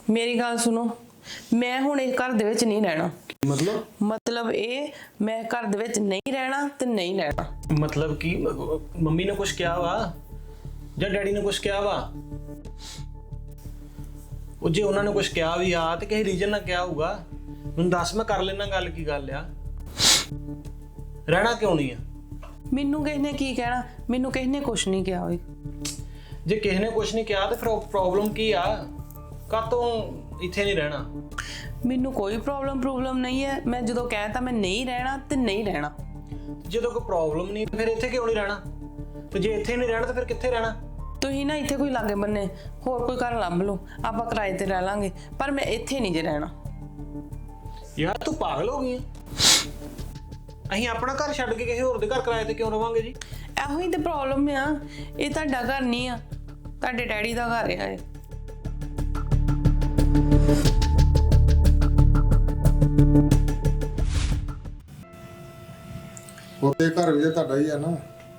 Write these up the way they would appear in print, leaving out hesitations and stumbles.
ਮੇਰੀ ਗੱਲ ਸੁਣੋ, ਮੈਂ ਹੁਣ ਇਸ ਘਰ ਦੇ ਵਿੱਚ ਨਹੀਂ ਰਹਿਣਾ। मतलब ਇਹ ਮੈਂ ਘਰ ਦੇ ਵਿੱਚ ਨਹੀਂ ਰਹਿਣਾ ਤੇ ਨਹੀਂ ਰਹਿਣਾ। मतलब कि मम्मी ने कुछ किया वा ਜਾਂ ਡੈਡੀ ਨੇ ਕੁਝ ਕਿਹਾ ਵਾ? ਉਹ ਜੇ ਉਹਨਾਂ ਨੇ ਕੁਝ ਕਿਹਾ ਵੀ ਆ ਤੇ ਕਿਸੇ ਰੀਜ਼ਨ ਨਾਲ ਕਿਹਾ ਹੋਊਗਾ, ਮੈਨੂੰ ਦੱਸ, ਮੈਂ ਕਰ ਲੈਣਾ ਗੱਲ। ਕੀ ਗੱਲ ਆ? ਰਹਿਣਾ ਕਿਉਂ ਨਹੀਂ ਆ? ਮੈਨੂੰ ਕਿਸ ਨੇ ਕੀ ਕਹਿਣਾ? ਮੈਨੂੰ ਕਿਸ ਨੇ ਕੁਝ ਨਹੀਂ ਕਿਹਾ ਹੋਈ। ਜੇ ਕਿਸੇ ਨੇ ਕੁਝ ਨਹੀਂ ਕਿਹਾ ਤੇ ਫਿਰ ਪ੍ਰੋਬਲਮ ਕੀ ਆ? ਕਾਤੋਂ ਇੱਥੇ ਨਹੀਂ ਰਹਿਣਾ? ਮੈਨੂੰ ਕੋਈ ਪ੍ਰੋਬਲਮ ਨਹੀਂ ਹੈ। ਮੈਂ ਜਦੋਂ ਕਹਿਤਾ ਮੈਂ ਨਹੀਂ ਰਹਿਣਾ ਤੇ ਨਹੀਂ ਰਹਿਣਾ। ਜਦੋਂ ਕੋਈ ਪ੍ਰੋਬਲਮ ਨਹੀਂ ਫਿਰ ਇੱਥੇ ਕਿਉਂ ਨਹੀਂ ਰਹਿਣਾ? ਤੇ ਜੇ ਇੱਥੇ ਨਹੀਂ ਰਹਿਣਾ ਤਾਂ ਫਿਰ ਕਿੱਥੇ ਰਹਿਣਾ? ਤੁਸੀਂ ਨਾ ਇੱਥੇ ਕੋਈ ਲਾਗੇ ਬੰਨੇ ਹੋਰ ਕੋਈ ਘਰ ਲੱਭ ਲਓ, ਆਪਾਂ ਕਿਰਾਏ ਤੇ ਰਹਿ ਲਾਂਗੇ, ਪਰ ਮੈਂ ਇੱਥੇ ਨਹੀਂ ਜੇ ਰਹਿਣਾ। ਯਾਰ ਤੂੰ ਪਾਗਲ ਹੋ ਗਈ ਆ? ਅਸੀਂ ਆਪਣਾ ਘਰ ਛੱਡ ਕੇ ਕਿਸੇ ਹੋਰ ਦੇ ਘਰ ਕਿਰਾਏ ਤੇ ਕਿਉਂ ਰਵਾਂਗੇ ਜੀ? ਇਹੋ ਹੀ ਤੇ ਪ੍ਰੋਬਲਮ ਆ। ਇਹ ਤੁਹਾਡਾ ਘਰ ਨਹੀਂ ਆ, ਤੁਹਾਡੇ ਡੈਡੀ ਦਾ ਘਰ ਆ ਇਹ। ਉਹਦੇ ਘਰ ਵੀ ਤੁਹਾਡਾ ਹੀ ਆ ਨਾ।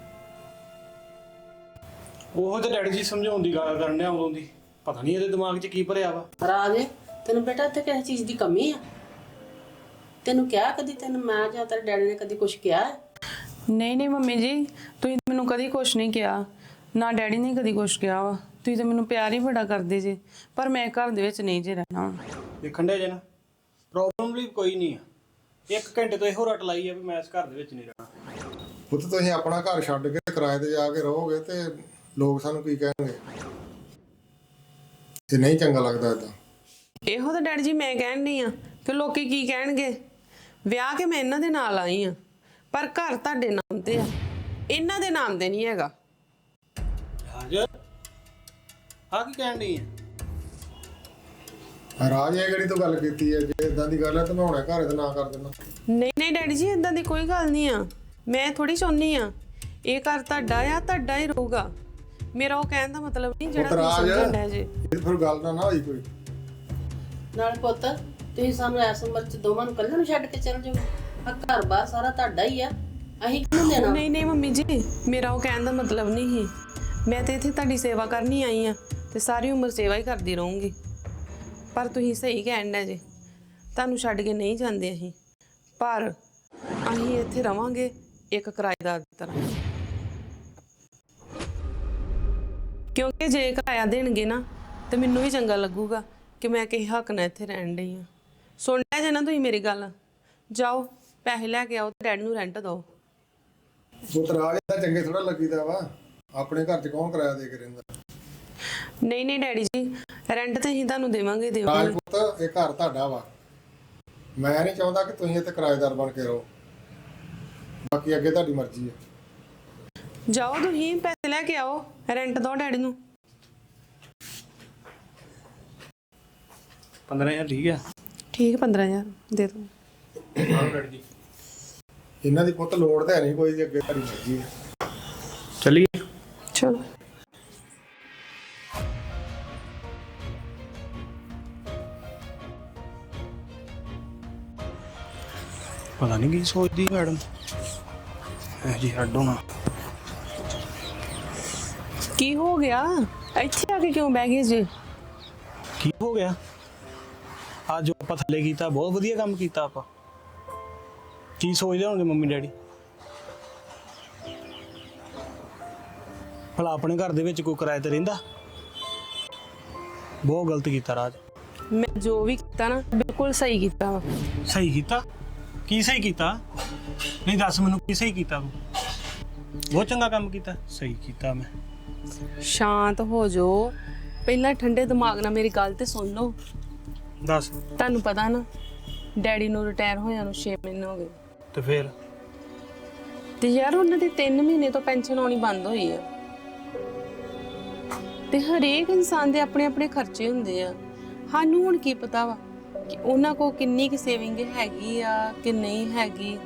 ਉਹ ਤੇ ਡੈਡੀ ਜੀ ਸਮਝਾਉਣ ਦੀ ਗੱਲ ਕਰਨ ਡਿਆ ਉਦੋਂ ਦੀ। ਪਤਾ ਨਹੀਂ ਇਹਦੇ ਦਿਮਾਗ 'ਚ ਕੀ ਭਰਿਆ ਵਾ। ਰਾਜ, ਤੈਨੂੰ ਬੇਟਾ ਇੱਥੇ ਕਿਸੇ ਚੀਜ਼ ਦੀ ਕਮੀ ਆ? ਤੈਨੂੰ ਕਿਹਾ ਕਦੀ? ਤੈਨੂੰ ਮੈਂ ਜਾਂ ਤੇਰੇ ਡੈਡੀ ਨੇ ਕਦੀ ਕੁਝ ਕਿਹਾ? ਨਹੀਂ ਮੰਮੀ ਜੀ, ਤੁਸੀਂ ਮੈਨੂੰ ਕਦੀ ਕੁਛ ਨਹੀਂ ਕਿਹਾ, ਨਾ ਡੈਡੀ ਨੇ ਕਦੀ ਕੁਛ ਕਿਹਾ ਵਾ। ਤੁਸੀਂ ਤਾਂ ਮੈਨੂੰ ਪਿਆਰ ਹੀ ਬੜਾ ਕਰਦੇ ਜੇ, ਪਰ ਮੈਂ ਘਰ ਦੇ ਵਿੱਚ ਨਹੀਂ ਜੇ ਰਹਿਣਾ। ਦੇਖਣ ਡਿਆ ਜੇ ਨਾ, ਪ੍ਰੋਬਲਮ ਵੀ ਕੋਈ ਨਹੀਂ ਆ। 1 ਘੰਟੇ ਤੋਂ ਇਹੋ ਰੱਟ ਲਾਈ ਆ ਵੀ ਮੈਂ ਇਸ ਘਰ ਦੇ ਵਿੱਚ ਨਹੀਂ ਰਹਿਣਾ। ਪੁੱਤ ਤੁਸੀਂ ਆਪਣਾ ਘਰ ਛੱਡ ਕੇ ਕਿਰਾਏ ਤੇ ਜਾ ਕੇ ਰਹੋਗੇ ਤੇ ਲੋਕ ਸਾਨੂੰ ਕੀ ਕਹਿਣਗੇ? ਇਹ ਨਹੀਂ ਚੰਗਾ ਲੱਗਦਾ ਏਦਾਂ। ਇਹੋ ਤਾਂ ਡੈਡੀ ਜੀ ਮੈਂ ਕਹਿਣ ਨਹੀਂ ਆ ਕਿ ਲੋਕੀ ਕੀ ਕਹਿਣਗੇ। ਵਿਆਹ ਕੇ ਮੈਂ ਇਹਨਾਂ ਦੇ ਨਾਲ ਆਈ ਆ, ਪਰ ਘਰ ਤੁਹਾਡੇ ਨਾਮ ਤੇ ਆ, ਇਹਨਾਂ ਦੇ ਨਾਮ ਤੇ ਨਹੀਂ ਹੈਗਾ। ਹਾਜ਼ਰ ਆ ਕੀ ਕਹਿਣ ਡਈ ਹੈ? ਰਾਜ ਇਹ ਕਿਹੜੀ ਤੋਂ ਗੱਲ ਕੀਤੀ ਹੈ? ਜੇ ਇਦਾਂ ਦੀ ਗੱਲ ਹੈ ਤਾਂ ਮੈਂ ਹੁਣੇ ਘਰ ਇਹਦਾ ਨਾਂ ਕਰ ਦਿੰਦਾ। ਨਹੀਂ ਡੈਡੀ ਜੀ, ਇਦਾਂ ਦੀ ਕੋਈ ਗੱਲ ਨਹੀਂ ਆ। ਮੈਂ ਥੋੜੀ ਚਾਹੁੰਦੀ ਆ ਇਹ ਘਰ ਤੁਹਾਡਾ ਆ, ਤੁਹਾਡਾ ਹੀ ਰਹੂਗਾ। ਮੇਰਾ ਉਹ ਕਹਿਣ ਦਾ ਮਤਲਬ ਨਹੀਂ ਜਿਹੜਾ ਤੁਸੀਂ ਸਮਝਣਾ ਜੇ। ਇਹ ਫਿਰ ਗੱਲ ਨਾ ਹੋਈ ਕੋਈ। ਨਾਲ ਪੁੱਤ, ਤੁਸੀਂ ਸਾਨੂੰ ਐਸ ਉਮਰ 'ਚ ਦੋਵਾਂ ਨੂੰ ਇਕੱਲੇ ਨੂੰ ਛੱਡ ਕੇ ਚੱਲ ਜਾਓ? ਆ ਘਰ ਬਾਰ ਸਾਰਾ ਤੁਹਾਡਾ ਹੀ ਆ, ਅਸੀਂ ਕਿਹਨੂੰ ਦੇਣਾ? ਨਹੀਂ ਮੰਮੀ ਜੀ, ਮੇਰਾ ਉਹ ਕਹਿਣ ਦਾ ਮਤਲਬ ਨਹੀਂ ਸੀ। ਮੈਂ ਤੇ ਇੱਥੇ ਤੁਹਾਡੀ ਸੇਵਾ ਕਰਨੀ ਆਈ ਆ ਤੇ ਸਾਰੀ ਉਮਰ ਸੇਵਾ ਹੀ ਕਰਦੀ ਰਹੂੰਗੀ। ਪਰ ਤੁਸੀਂ ਸਹੀ ਕਹਿਣ ਦੇ ਜੇ, ਤੁਹਾਨੂੰ ਛੱਡ ਕੇ ਨਹੀਂ ਜਾਂਦੇ ਅਸੀਂ, ਪਰ ਅਸੀਂ ਇੱਥੇ ਰਵਾਂਗੇ ਇੱਕ ਕਿਰਾਏਦਾਰ ਦੀ ਤਰ੍ਹਾਂ। ਕਿਉਂਕਿ ਜੇ ਕਿਰਾਇਆ ਦੇਣਗੇ ਨਾ ਤੇ ਮੈਨੂੰ ਵੀ ਚੰਗਾ ਲੱਗੂਗਾ ਕਿ ਮੈਂ ਕਿਸੇ ਹੱਕ ਨਾਲ ਇੱਥੇ ਰਹਿਣ ਡਈ ਆ। ਸੁਣ ਲਿਆ ਜੇ ਨਾ ਤੁਸੀਂ ਮੇਰੀ ਗੱਲ। ਜਾਓ ਪੈਸੇ ਲੈ ਕੇ ਆਓ ਤੇ ਡੈਡੀ ਨੂੰ ਰੈਂਟ ਦਿਓ। ਪੁੱਤ ਰਾਜ ਇਹਦਾ ਚੰਗੇ ਥੋੜਾ ਲੱਗੀਦਾ ਵਾ। ਆਪਣੇ ਘਰ 'ਚ ਕੌਣ ਕਿਰਾਇਆ ਦੇ ਕੇ ਰਹਿੰਦਾ? ਨਹੀਂ ਡੈਡੀ ਜੀ, ਰੈਂਟ ਤੇ ਅਸੀਂ ਤੁਹਾਨੂੰ ਦੇਵਾਂਗੇ। ਰਾਜ ਪੁੱਤ, ਇਹ ਘਰ ਤੁਹਾਡਾ ਵਾ। ਮੈਂ ਨਹੀਂ ਚਾਹੁੰਦਾ ਕਿ ਤੁਸੀਂ ਇੱਥੇ ਕਿਰਾਏਦਾਰ ਬਣ ਕੇ ਰਹੋ। ਬਾਕੀ ਅੱਗੇ ਤੁਹਾਡੀ ਮਰਜ਼ੀ ਹੈ। ਜਾਓ ਤੁਸੀਂ ਪੈਸੇ ਲੈ ਕੇ ਆਓ, ਰੈਂਟ ਦਿਓ ਡੈਡੀ ਨੂੰ। 15,000 ਠੀਕ ਆ? ਠੀਕ, 15,000 ਦੇ ਦਿਓ। ਹਾਂ ਡੈਡੀ ਜੀ, ਇਹਨਾਂ ਦੀ ਪੁੱਤ ਲੋੜ ਤਾਂ ਹੈ ਨਹੀਂ ਕੋਈ, ਅੱਗੇ ਤੁਹਾਡੀ ਮਰਜ਼ੀ ਹੈ। ਚੱਲੀਏ। ਚਲੋ। ਪਤਾ ਨਹੀਂ ਕੀ ਸੋਚਦੀ ਮੈਡਮ ਇਹ ਜੀ। ਹੱਡੋ ਨਾ, ਕੀ ਹੋ ਗਿਆ? ਇੱਥੇ ਆ ਕੇ ਕਿਉਂ ਬਹਿ ਗਏ ਜੀ? ਕੀ ਹੋ ਗਿਆ? ਅੱਜ ਆਪਾਂ ਥੱਲੇ ਕੀਤਾ, ਬਹੁਤ ਵਧੀਆ ਕੰਮ ਕੀਤਾ ਆਪਾਂ। ਕੀ ਸੋਚਦੇ ਹੋਣਗੇ ਮੰਮੀ ਡੈਡੀ? ਭਲਾ ਆਪਣੇ ਘਰ ਦੇ ਵਿੱਚ ਕੋਈ ਕਿਰਾਏ ਤੇ ਰਹਿੰਦਾ? ਬਹੁਤ ਗਲਤ ਕੀਤਾ ਰਾਜ। ਮੈਂ ਜੋ ਵੀ ਕੀਤਾ ਨਾ ਬਿਲਕੁਲ ਸਹੀ ਕੀਤਾ ਵਾ। ਸਹੀ ਕੀਤਾ? ਕੀ ਸਹੀ ਕੀਤਾ? ਨਹੀਂ ਦੱਸ ਮੈਨੂੰ, ਕੀ ਸਹੀ ਕੀਤਾ ਤੂੰ? ਬਹੁਤ ਚੰਗਾ ਕੰਮ ਕੀਤਾ। ਸਹੀ ਕੀਤਾ ਮੈਂ। ਸ਼ਾਂਤ ਹੋ ਜਾਓ, ਪਹਿਲਾਂ ਠੰਡੇ ਦਿਮਾਗ ਨਾਲ ਮੇਰੀ ਗੱਲ ਤੇ ਸੁਣ ਲਓ। ਦੱਸ। ਤੁਹਾਨੂੰ ਪਤਾ ਨਾ, ਡੈਡੀ ਨੂੰ ਰਿਟਾਇਰ ਹੋਇਆ ਨੂੰ 6 ਮਹੀਨੇ ਹੋ ਗਏ ਤੇ ਫਿਰ? ਤੇ ਯਾਰ ਉਹਨਾਂ ਦੀ 3 ਮਹੀਨੇ ਤੋਂ ਪੈਨਸ਼ਨ ਆਉਣੀ ਬੰਦ ਹੋਈ ਆ। ਤੇ ਹਰੇਕ ਇਨਸਾਨ ਦੇ ਆਪਣੇ ਆਪਣੇ ਖਰਚੇ ਹੁੰਦੇ ਆ। ਸਾਨੂੰ ਹੁਣ ਕੀ ਪਤਾ ਵਾ ਕਿ ਉਹਨਾਂ ਕੋਲ ਕਿੰਨੀ ਕੁ ਸੇਵਿੰਗ ਹੈਗੀ ਆ ਕਿ ਨਹੀਂ ਹੈਗੀ।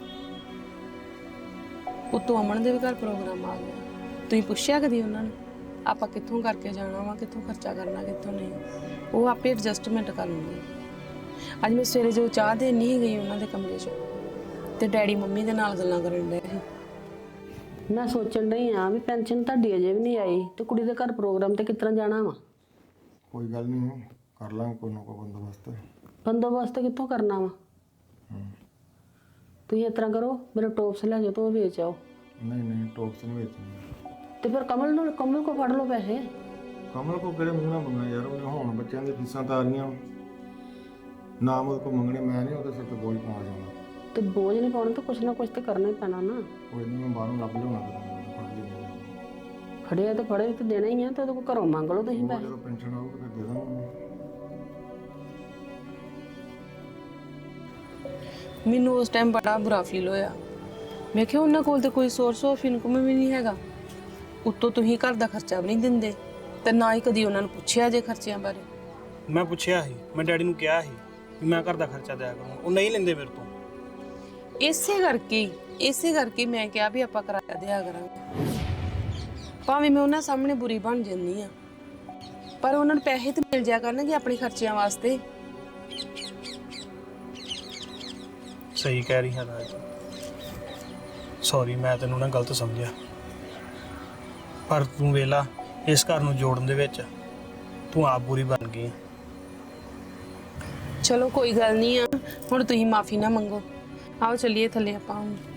ਉਤੋਂ ਅਮਨ ਦੇ ਵੀ ਘਰ ਪ੍ਰੋਗਰਾਮ ਆ ਗਿਆ। ਤੁਸੀਂ ਪੁੱਛਿਆ ਕਦੀ ਉਹਨਾਂ ਨੂੰ ਆਪਾਂ ਕਿੱਥੋਂ ਕਰਕੇ ਜਾਣਾ ਵਾ, ਕਿੱਥੋਂ ਖਰਚਾ ਕਰਨਾ, ਕਿੱਥੋਂ ਨਹੀਂ? ਉਹ ਆਪੇ ਐਡਜਸਟਮੈਂਟ ਕਰ ਲੈਂਦੇ। ਅੱਜ ਮੈਂ ਸਵੇਰੇ ਜੋ ਚਾਹ ਦੇਣ ਨਹੀਂ ਗਈ ਉਹਨਾਂ ਦੇ ਕਮਰੇ 'ਚ, ਤੇ ਡੈਡੀ ਮੰਮੀ ਦੇ ਨਾਲ ਗੱਲਾਂ ਕਰਨ ਡਏ ਸੀ। ਮੈਂ ਸੋਚਣ ਡਈ ਆ ਵੀ ਪੈਨਸ਼ਨ ਤੁਹਾਡੀ ਅਜੇ ਵੀ ਨਹੀਂ ਆਈ ਤੇ ਕੁੜੀ ਦੇ ਘਰ ਪ੍ਰੋਗਰਾਮ ਤੇ ਕਿਸ ਤਰ੍ਹਾਂ ਜਾਣਾ ਵਾ? ਕੋਈ ਗੱਲ ਨਹੀਂ, ਕਰ ਲਾਂਗੇ ਕੋਈ ਨਾ ਕੋਈ ਬੰਦੋਬਸਤ। ਬੰਦੋਬਸਤ ਕਿੱਥੋਂ ਕਰਨਾ ਵਾ? ਤੁਸੀਂ ਇਸ ਤਰ੍ਹਾਂ ਕਰੋ, ਮੇਰੇ ਟੋਪਸ ਲੈ ਜਾਓ ਤੇ ਉਹ ਵੇਚ ਆਓ। ਨਹੀਂ ਟੋਪਸ ਨਹੀਂ ਵੇਚਣੇ। ਤੇ ਫਿਰ ਕਮਲ ਕੋ ਫੜ ਲਓ ਪੈਸੇ। ਕਮਲ ਕੋ ਕਿਹੜੇ ਮੂੰਹ ਨਾਲ ਮੰਗਣਾ ਯਾਰ, ਉਹਨੇ ਹੁਣ ਬੱਚਿਆਂ ਦੀਆਂ ਫੀਸਾਂ ਤਾਰੀਆਂ, ਨਾ ਉਹਦੇ ਕੋਲ ਮੰਗਣੇ। ਮੈਂ ਨਹੀਂ ਉਹਦੇ ਸਿਰ ਤੇ ਬੋਝ ਪਾ ਜਾਣਾ। ਤੇ ਬੋਝ ਨਹੀਂ ਪਾਉਣਾ ਤਾਂ ਕੁਛ ਨਾ ਕੁਛ ਤੇ ਕਰਨਾ ਹੀ ਪੈਣਾ ਨਾ। ਕੋਈ ਨਹੀਂ, ਮੈਂ ਬਾਹਰੋਂ ਲੱਭ ਲਿਆਉਣਾ ਕਰਾਂਗਾ। ਫੜਿਆ ਤੇ ਫੜੇ ਤੇ ਦੇਣਾ ਹੀ ਆ, ਤੇ ਉਹਦੇ ਕੋਲ ਘਰੋਂ ਮੰਗ ਲਓ ਤੁਸੀਂ ਪੈਸੇ। ਜਦੋਂ ਪੈਨਸ਼ਨ ਆਊਗੀ ਫਿਰ ਦੇ ਦਾਂਗਾ। ਮੈਨੂੰ ਉਸ ਟਾਈਮ ਬੜਾ ਬੁਰਾ ਫੀਲ ਹੋਇਆ। ਮੈਂ ਕਿਹਾ ਉਹਨਾਂ ਕੋਲ ਤੇ ਕੋਈ ਸੋਰਸ ਆਫ ਇਨਕਮ ਵੀ ਨਹੀਂ ਹੈਗਾ, ਉੱਤੋਂ ਤੁਸੀਂ ਘਰ ਦਾ ਖਰਚਾ ਵੀ ਨਹੀਂ ਦਿੰਦੇ, ਤੇ ਨਾ ਹੀ ਕਦੀ ਉਹਨਾਂ ਨੂੰ ਪੁੱਛਿਆ ਜੇ ਖਰਚਿਆਂ ਬਾਰੇ। ਮੈਂ ਪੁੱਛਿਆ ਸੀ, ਮੈਂ ਡੈਡੀ ਨੂੰ ਕਿਹਾ ਸੀ ਕਿ ਮੈਂ ਘਰ ਦਾ ਖਰਚਾ ਦਿਆ ਕਰੂੰ, ਉਹ ਨਹੀਂ ਲੈਂਦੇ ਮੇਰੇ ਤੋਂ। ਇਸੇ ਕਰਕੇ ਮੈਂ ਕਿਹਾ ਵੀ ਆਪਾਂ ਕਿਰਾਇਆ ਦਿਆ ਕਰਾਂਗੇ। ਭਾਵੇਂ ਮੈਂ ਉਹਨਾਂ ਸਾਹਮਣੇ ਬੁਰੀ ਬਣ ਜਾਂਦੀ ਆ, ਪਰ ਉਹਨਾਂ ਨੂੰ ਪੈਸੇ ਤੇ ਮਿਲ ਜਾਇਆ ਕਰਨਗੇ ਆਪਣੇ ਖਰਚਿਆਂ ਵਾਸਤੇ। ਸਹੀ ਕਹਿ ਰਹੀ ਹਾਂ ਰਾਜ, ਸੌਰੀ ਮੈਂ ਤੈਨੂੰ ਨਾ ਗਲਤ ਸਮਝਿਆ, ਪਰ ਤੂੰ ਵੇਲਾ ਇਸ ਘਰ ਨੂੰ ਜੋੜਨ ਦੇ ਵਿੱਚ ਤੂੰ ਆਪ ਬੁਰੀ ਬਣ ਗਈ। ਚਲੋ ਕੋਈ ਗੱਲ ਨਹੀਂ ਆ, ਹੁਣ ਤੁਸੀਂ ਮਾਫੀ ਨਾ ਮੰਗੋ। ਆਓ ਚੱਲੀਏ ਥੱਲੇ ਆਪਾਂ ਹੁਣ।